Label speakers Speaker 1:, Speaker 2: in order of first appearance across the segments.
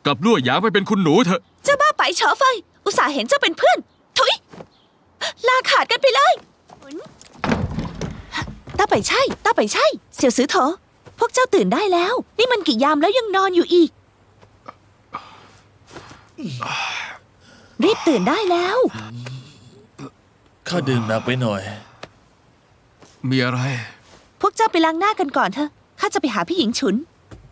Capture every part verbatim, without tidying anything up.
Speaker 1: ลับลั่วหยางไปเป็นคุณหนูเถอะ
Speaker 2: เจ้าบ้าไปเฉอไฟอุตส่าห์เห็นเจ้าเป็นเพื่อนถุยลาขาดกันไปเลยตาไปใช่ตาไปใช่เสี่ยวซื้อเถอะพวกเจ้าตื่นได้แล้วนี่มันกี่ยามแล้วยังนอนอยู่อีกรีบตื่นได้แล้ว
Speaker 3: ข้าดื่มหนักไปหน่อย
Speaker 1: มีอะไร
Speaker 2: พวกเจ้าไปล้างหน้ากันก่อนเถอะข้าจะไปหาพี่หญิงฉุน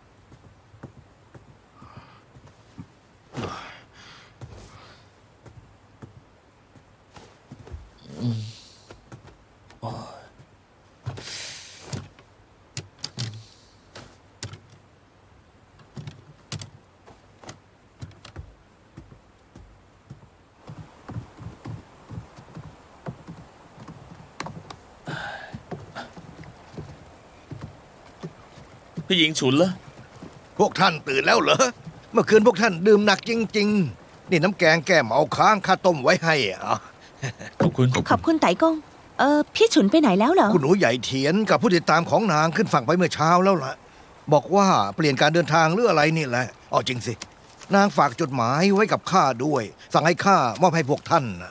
Speaker 3: พี่หญิงฉุนเหรอ
Speaker 4: พวกท่านตื่นแล้วเหรอเมื่อคืนพวกท่านดื่มหนักจริงๆนี่น้ำแกงแก้เมาค้างข้าต้มไว้ให้อ่ะ
Speaker 3: ขอบคุณ
Speaker 2: ขอบคุณไต่กงเออพี่ฉุนไปไหนแล้วเหรอ
Speaker 4: คุณหนูใหญ่เถียนกับผู้ติดตามของนางขึ้นฝั่งไปเมื่อเช้าแล้วล่ะบอกว่าเปลี่ยนการเดินทางหรืออะไรนี่แหละอ๋อจริงสินางฝากจดหมายไว้กับข้าด้วยสั่งให้ข้ามอบให้พวกท่านนะ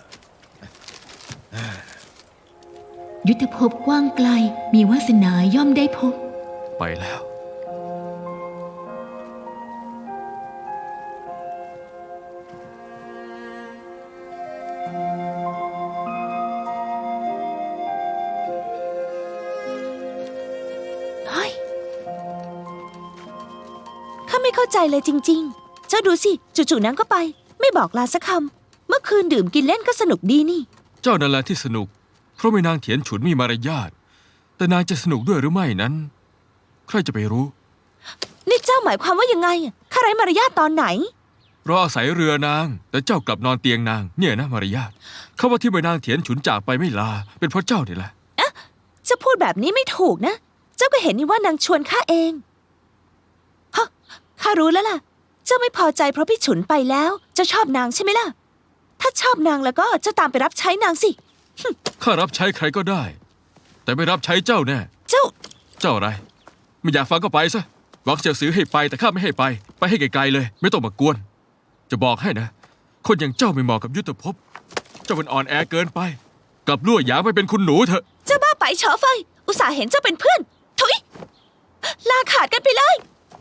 Speaker 5: ยุทธภพกว้างไกลมีวาสนาย่อมได้พบ
Speaker 1: ไปแล้ว
Speaker 2: ข้าไม่เข้าใจเลยจริงๆเจ้าดูสิจู่ๆนางก็ไปไม่บอกลาสักคำเมื่อคืนดื่มกินเล่นก็สนุกดีนี่
Speaker 1: เจ้านั่นแหละที่สนุกเพราะไม่นางเถียนฉุนมีมารยาทแต่นางจะสนุกด้วยหรือไม่นั้นใครจะไปรู้
Speaker 2: นี่เจ้าหมายความว่ายังไงข้าไร้มารยาทตอนไหน
Speaker 1: เราอาศัยเรือนางแต่เจ้ากลับนอนเตียงนางเนี่ยนะมารยาทเขาว่าที่ใบนางเถียนฉุนจากไปไม่ลาเป็นเพราะเจ้านี่แหละ
Speaker 2: เอ๊ะจะพูดแบบนี้ไม่ถูกนะเจ้าก็เห็นนี่ว่านางชวนข้าเองฮะข้ารู้แล้วล่ะเจ้าไม่พอใจเพราะพี่ฉุนไปแล้วเจ้าชอบนางใช่ไหมล่ะถ้าชอบนางแล้วก็เจ้าตามไปรับใช้นางสิ
Speaker 1: ข้ารับใช้ใครก็ได้แต่ไม่รับใช้เจ้าแน่
Speaker 2: เจ้า
Speaker 1: เจ้าอะไรไม่อยากฟังก็ไปซะหวังเสี่ยวซื้อให้ไปแต่ข้าไม่ให้ไปไปให้ไกลๆเลยไม่ต้องมากวนจะบอกให้นะคนอย่างเจ้าไม่เหมาะกับยุทธภพเจ้าเป็นอ่อนแอเกินไปกลับลั่วหยางไปเป็นคุณหนูเถอะ
Speaker 2: เจ้าบ้าไปเฉอไฟอุตส่าห์เห็นเจ้าเป็นเพื่อนถุยลาขาดกันไปเลย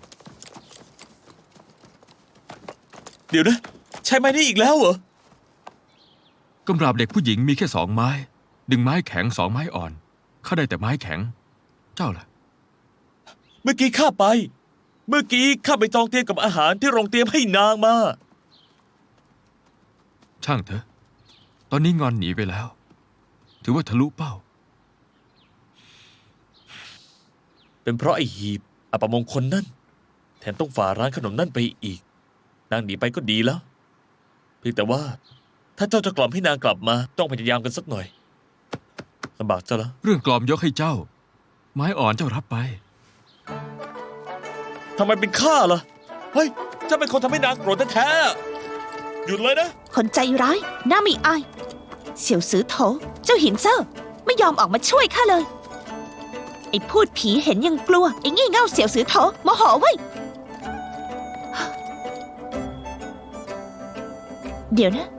Speaker 3: เดี๋ยวนะใช้ไม้นี้อีกแล้วเหรอก
Speaker 1: ำราบเด็กผู้หญิงมีแค่สองไม้ดึงไม้แข็งสองไม้อ่อนข้าได้แต่ไม้แข็งเจ้าล่ะ
Speaker 3: เมื่อกี้ข้าไปเมื่อกี้ข้าไปจองเตียงกับอาหารที่โรงเตรียมให้นางมา
Speaker 1: ช่างเถอะตอนนี้งอนหนีไปแล้วถือว่าทะลุเป้า
Speaker 3: เป็นเพราะไอ้หีบอัปมงคลนั่นแถมต้องฝ่าร้านขนมนั่นไปอีกนางหนีไปก็ดีแล้วเพียงแต่ว่าถ้าเจ้าจะกล่อมให้นางกลับมาต้องพยายามกันสักหน่อยลำบากเจ้าละ
Speaker 1: เรื่องกล่อมยกให้เจ้าไม้อ่อนเจ้ารับไป
Speaker 3: ทำไมเป็นข้าล่ะเฮ้ยเจ้าเป็นคนทำให้นางโกรธแท้ๆหยุดเลยนะ
Speaker 2: คนใจร้ายน่าไม่อายเสี่ยวซื้อโถเจ้าหินเซอร์ไม่ยอมออกมาช่วยข้าเลยไอ้พูดผีเห็นยังกลัวไอ้งี่เง่าเสี่ยวซื้อโถโมโหไว้เดี๋ยวนะ